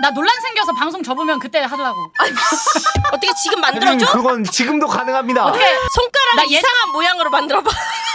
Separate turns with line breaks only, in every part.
나 논란 생겨서 방송 접으면 그때 하려고.
어떻게 지금 만들어줘?
그건 지금도 가능합니다.
어떻게
손가락
나
이상한 모양으로 만들어봐.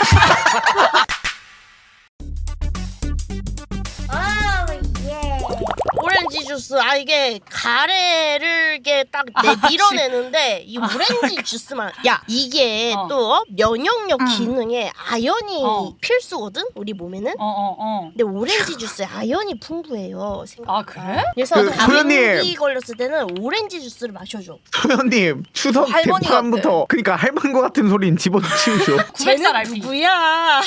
오렌지 주스. 아 이게 가래를 이게 딱 밀어내는데 이 오렌지 주스만. 야 이게 또 면역력 기능에 아연이 필수거든 우리 몸에는. 근데 오렌지 주스에 아연이 풍부해요.
아 그래?
그래서 감기 걸렸을 때는 오렌지 주스를 마셔줘.
소연님 추석 대파부터 그러니까 할머니 것 같은 소리는 집어치우죠.
900살 RP.
누구야?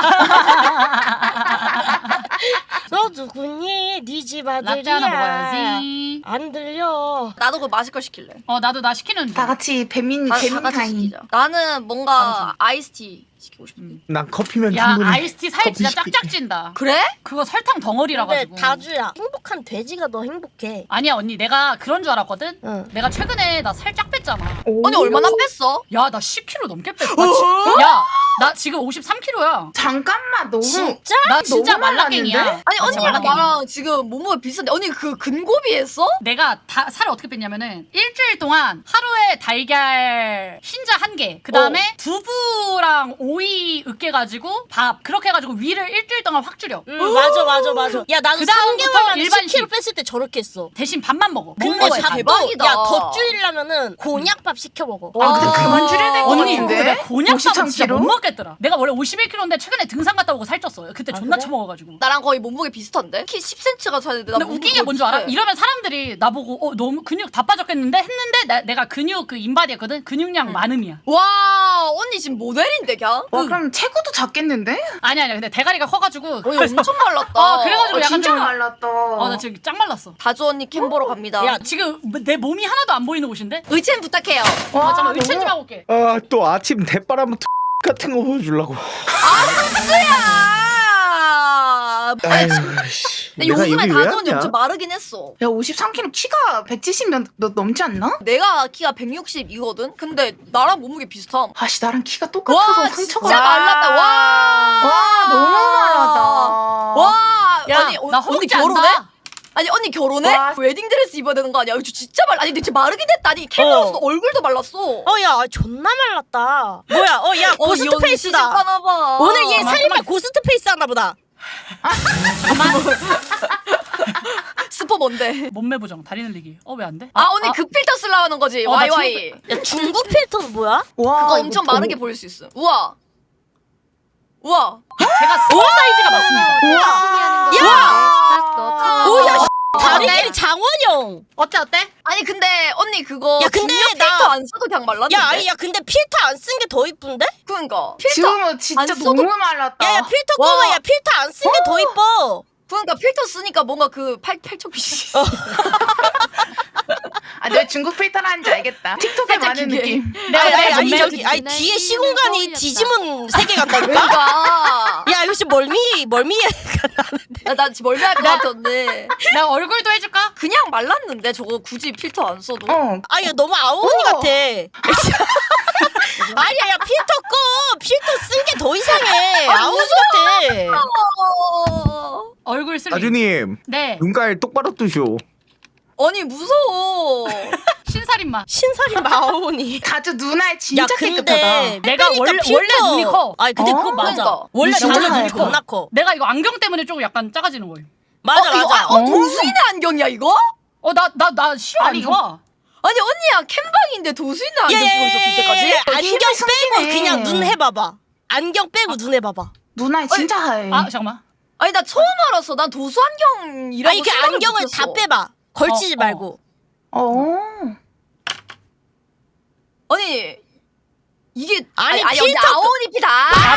너 누구니? 네 집
라떼 하나
아들이야.
먹어야지.
안 들려.
나도 그 마실 걸 시킬래.
나도 나 시키는 중.
다 같이 배민
다 같이
타임.
시키자. 나는 뭔가 아이스티 시키고 싶은데.
난 커피면
야
충분히.
아이스티 살 진짜
커피
짝짝 찐다.
그래?
그거 설탕 덩어리라
근데
가지고.
다주야. 행복한 돼지가 더 행복해.
아니야 언니 내가 그런 줄 알았거든.
응.
내가 최근에 나 살 쫙 뺐잖아.
언니 얼마나 뺐어?
야 나 10kg 넘게 뺐어. 나 지금 53kg야.
잠깐만 너무
진짜?
나 진짜
너무
말라깽이야.
말랐는데?
아니
나 진짜
언니랑
말라깽이야.
나랑 지금 몸무게 비슷한데 언니 그 근고비 했어?
내가 살을 어떻게 뺐냐면은 일주일 동안 하루에 달걀 흰자 1개, 그 다음에 두부랑 오이 으깨가지고 밥 그렇게 해가지고 위를 일주일 동안 확 줄여.
맞아. 야 나도
그다음부터
3개월 만에
일반식.
10kg 뺐을 때 저렇게 했어.
대신 밥만 먹어.
근데
먹는 거에
밥도
대박이다.
야더 줄이려면은 곤약밥 시켜 먹어.
아 근데 그만 줄여야 될 것
언니
같은데?
근데 곤약밥은 진짜
53kg?
못 먹겠더라. 내가 원래 51kg인데 최근에 등산 갔다 오고 살쪘어. 그때 존나
그래?
처먹어가지고.
나랑 거의 몸무게 비슷한데? 키 10cm가 차야 돼.
근데 웃긴 게 뭔 줄 알아? 이러면 사람들이 나보고 너무 근육 다 빠졌겠는데 했는데 내가 근육 그 인바디였거든. 근육량 많음이야.
와 언니 지금 모델인데 그냥?
와 그럼 체구도 작겠는데?
아니야 근데 대가리가 커가지고.
언니 엄청 말랐다.
그래가지고 약간
진짜
좀.
말랐다.
나 지금 짱 말랐어.
다주 언니 캠 보러 갑니다.
야,
지금 내 몸이 하나도 안 보이는 옷인데?
의첸 부탁해요.
와,
잠깐만
너무-
의첸 좀 하고 올게.
또 아침 대바람 같은 거 보여주려고.
야.
아유 씨.
근데 요즘에 다주 언니 엄청 마르긴 했어.
야 53kg 키가 170 넘지 않나?
내가 키가 160이거든? 근데 나랑 몸무게 비슷함.
아씨 나랑 키가 똑같아서
와
상처가.
진짜 말랐다. 와.
와 너무 말랐다.
와.
야,
아니
나
언니
허벅지
결혼해?
안다.
아니 언니 결혼해?
와.
웨딩드레스 입어야 되는 거 아니야? 이거 진짜 아니 근데 진짜 마르긴 했다니. 캠에서도 얼굴도 말랐어.
야 존나 말랐다. 뭐야? 야 고스트 페이스다.
봐.
오늘 얘
그만,
살림에
그만.
고스트 페이스 하나 보다.
스포 뭔데?
몸매 보정 다리 늘리기. 왜 안 돼?
언니 그 필터 쓰려고 하는 거지.
나
YY.
야 중국 필터는 뭐야?
와
그거
이거
엄청
더-
마르게 보일 수 있어. 우와. 우와.
제가 스몰 사이즈가 맞습니다.
오야 다리끼리 장원영.
어때?
아니 근데 언니 그거
야, 근데
중력
나-
필터 안 써도 그냥 말랐는데.
야 아니 야 근데 필터 안 쓴 게 더 이쁜데?
그러니까 필터
지금은 진짜
안 써도-
너무 말랐다.
야 필터
와.
꺼봐. 야 필터 안 쓴 게 더 이뻐.
그러니까 필터 쓰니까 뭔가 그 팔척빛이.
아 내가 중국 필터라는지 알겠다. 틱톡에
살짝
많은
기계.
느낌.
아니
몸매
저기 아니 뒤에 시공간이 뒤집은 세계 간다니까?
그러니까.
야 이거 지금 멀미에
나 지금 멀미할 것 같았는데
내가 얼굴도 해줄까?
그냥 말랐는데 저거 굳이 필터 안 써도.
어.
야 너무 아오니 같아. 아니야 야 필터 꺼. 필터 쓴 게 더 이상해. 아오니 같아.
얼굴 슬림.
아주님
네.
눈깔 똑바로 뜨쇼.
아니 무서워.
신살인마.
신살이 아오니.
다주 누나의
야
진짜
근데
깨끗하다.
내가 원래 눈이 커.
아니 근데
어?
그거 맞아.
그러니까.
원래
진짜
다들 눈이
커.
겁나 커.
내가 이거 안경 때문에 조금 약간 작아지는 거예요.
맞아
이거,
맞아.
도수인의 안경이야 이거?
나 시력 안
아니,
좋아.
아니 언니야 캠방인데 도수인의 안경 끼고 있었을 때까지?
안경
힘이
빼고
섞이네.
그냥 눈 해봐봐. 안경 빼고 눈 해봐봐.
누나의 진짜 하얘.
잠깐만.
아니 나 처음 알았어. 난 도수 안경이라고
아니 그
생각을
안경을
못했어.
다 빼봐. 걸치지 말고.
아니 이게
아니,
언니
필터
아오니피다.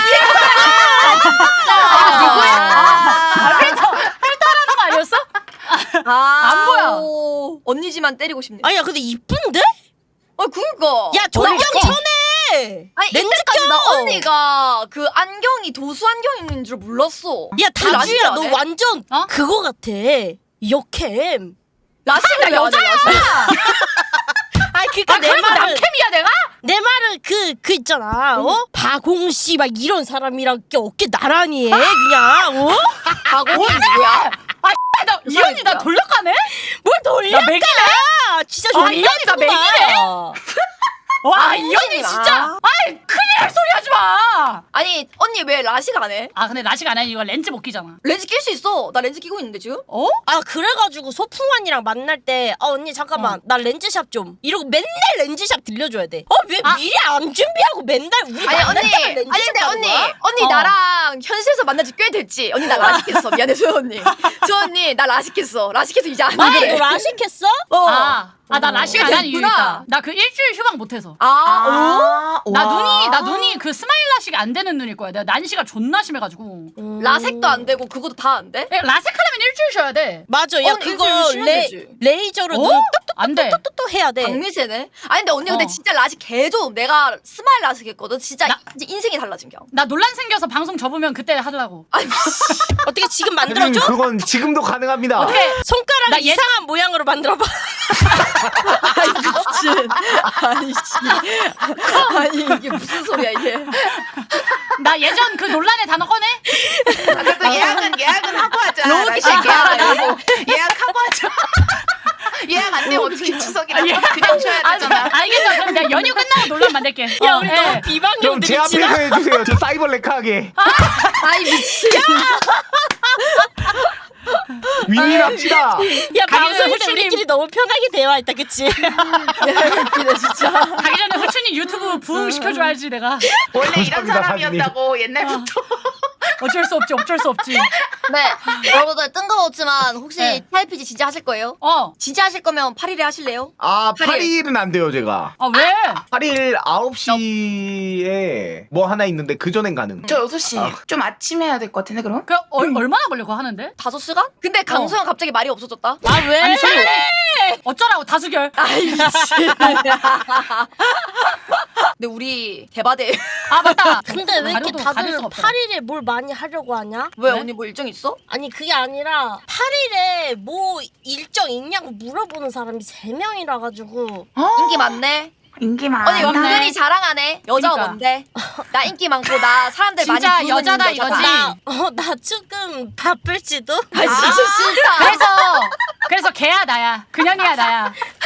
필터라는 거 아니었어? 안 보여.
언니지만 때리고 싶네.
아니야 근데 이쁜데?
그니까.
야 조명
어디-
쳐내.
아니
렌즈
이때까지 나
껴.
언니가 그 안경이 도수 안경인 줄 몰랐어.
야
우리 라식
다주야
안
너
해?
완전
어?
그거 같아. 역캠.
라식을
여자야.
아니 그니까 내
그러면
말은
남캠이야 내가?
내 말은 그 있잖아. 박홍씨 막 이런 사람이랑 이렇게 어깨 나란히 해 그냥.
가고 누구야?
이 언니 나 돌려가네?
뭘 돌려?
아, 이 언니 나 맥이네. 와, 이 언니 진짜. 아이, 큰일 날 소리 하지 마.
아니 언니 왜 라식 안 해?
아, 근데 라식 안 해. 이거 렌즈 못 끼잖아.
렌즈 낄 수 있어. 나 렌즈 끼고 있는데 지금.
어?
아 그래가지고 소풍언니랑 만날 때 언니 잠깐만 나 렌즈샵 좀 이러고 맨날 렌즈샵 들려줘야 돼. 왜 미리 안 준비하고 맨날 우리
아니
만날
언니,
때만 렌즈샵
아니 근데
가는
언니,
거야?
언니 나랑 현실에서 만난 지 꽤 됐지. 언니 나 라식했어. 미안해 저 언니. 저 언니 나 라식했어. 라식해서 이제 안
아니
그래.
너 라식했어?
나 라식 안 한 이유
됐구나.
있다. 나 그 일주일 휴방 못해서.
아,
나 눈이 그 스마일 라식이 안 되는 눈일 거야. 내가 난시가 존나 심해가지고.
라섹도 안 되고 그것도 다 안 돼?
라섹하려면 일주일 쉬어야 돼.
맞아. 야
언니,
그거
일주일 쉬면 되지.
레이저로
어?
눈
안 돼.
똑똑똑똑 해야 돼.
박미세네. 아니 근데 언니 근데
어.
진짜 라식 개좋음. 내가 스마일 라식 했거든. 진짜
나-
이제 인생이 달라진 겨.
나 논란 생겨서 방송 접으면 그때 하려고.
아니
어떻게 지금
형님
만들어줘?
그건 지금도 가능합니다.
어떻게?
손가락
나 예-
이상한 모양으로 만들어봐.
아니 씨. 아니 이게 무슨 소리야 이게.
나 예전 그 논란의 단어 꺼내?
아, 그래도 예약은 하고 하자.
너무
라식 예약하고 예약하고 하자. 예약 안 되면 어떻게 추석이라 그냥 쉬어야 되잖아.
알겠어. 그럼 내가 연휴 끝나고 논란 만들게.
야 우리
예.
너무
형
비방용들이
제 앞에서
지나.
해주세요. 저 사이버 레카하게.
아이 미친.
윈윈합시다.
야
가기는
방송 때
후추님.
우리끼리 너무 편하게 대화했다 그치?
웃기네 진짜.
가기 전에 후추님 유튜브 부흥 시켜줘야지 내가.
원래 이런
감사합니다,
사람이었다고 옛날부터.
어쩔 수 없지. 어쩔 수 없지.
네 여러분들 뜬금없지만 혹시
네.
TRPG 진짜 하실 거예요?
어.
진짜 하실 거면 8일에 하실래요?
아
8일.
8일은 안 돼요 제가.
아 왜?
8일 9시에 뭐 하나 있는데 그 전엔 가능.
저 6시 좀 아침에 해야 될 것 같은데 그럼?
그 얼마나 걸려고 하는데?
5시간? 근데 강소영 갑자기 말이 없어졌다.
아 왜?
아니 설마 어쩌라고 다수결.
아이 미친. 근데 우리 대바대.
아 맞다.
근데 왜 이렇게
가려도
다들
가릴 수가 없더라.
8일에 뭘 많이 하려고 하냐?
왜
네?
언니 뭐 일정 있어?
아니 그게 아니라 8일에 뭐 일정 있냐고 물어보는 사람이 3명이라 가지고
인기 많네.
인기 많아.
언니 은근히 자랑하네. 여자가
그러니까.
뭔데? 나 인기 많고 나 사람들 많이
진짜
부르는
여자다 이거지?
나 조금 바쁠지도?
아 진짜 싫다.
그래서 걔야 나야. 그년이야 나야.